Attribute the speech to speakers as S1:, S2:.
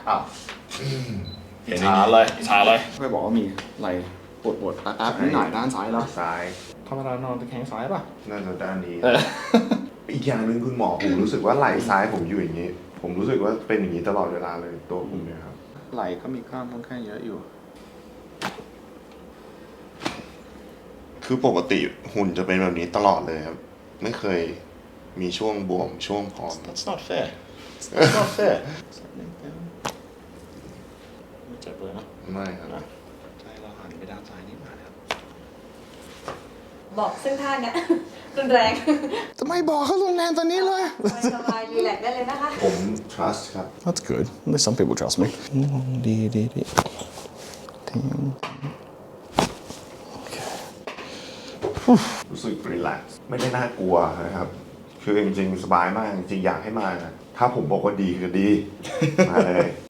S1: อ้าว
S2: ชาเลย
S1: เคยบอกว่ามีไหล่ปวดแป๊บๆนิดหน่อยด้านซ้ายแล้ว
S3: ซ้าย
S1: ธรรมดานอนตะแคงซ้ายป่ะ
S3: น่าจะด้านนี้อีกอย่างหนึ่งคุณหมอผมรู้สึกว่าไหล่ซ้ายผมอยู่อย่างนี้ ผมรู้สึกว่าเป็นอย่างนี้ตลอดเวลาเลยตัวผมเนี่ยครับ
S1: ไหล่ก็มีกล้ามค่อนข้างเยอะอยู่
S3: คือปกติหุ่นจะเป็นแบบนี้ตลอดเลยครับไม่เคยมีช่วงบวมช่วงผอม
S2: That's not fair That's not fair ไม่เจ็บเลยนะ
S3: ไม่ครับ
S1: ใจเราหันไปด้านซ้ายนิดหน่อยครับ
S4: บอกซึ่งท่าเนี้ย รุนแรง
S1: ทำไมบอกเขารุนแรงตอนนี้เลย
S4: สบายรีแลกซ์ได้เลยนะคะ
S3: ผม trust ครับ
S1: That's good. At least some people trust me. ดีทิ้ง
S3: รู้สึก relax ไม่ได้น่ากลัวนะครับ คือจริงๆสบายมากจริงๆอยากให้มานะถ้าผมบอกว่าดีคือดี มาเลย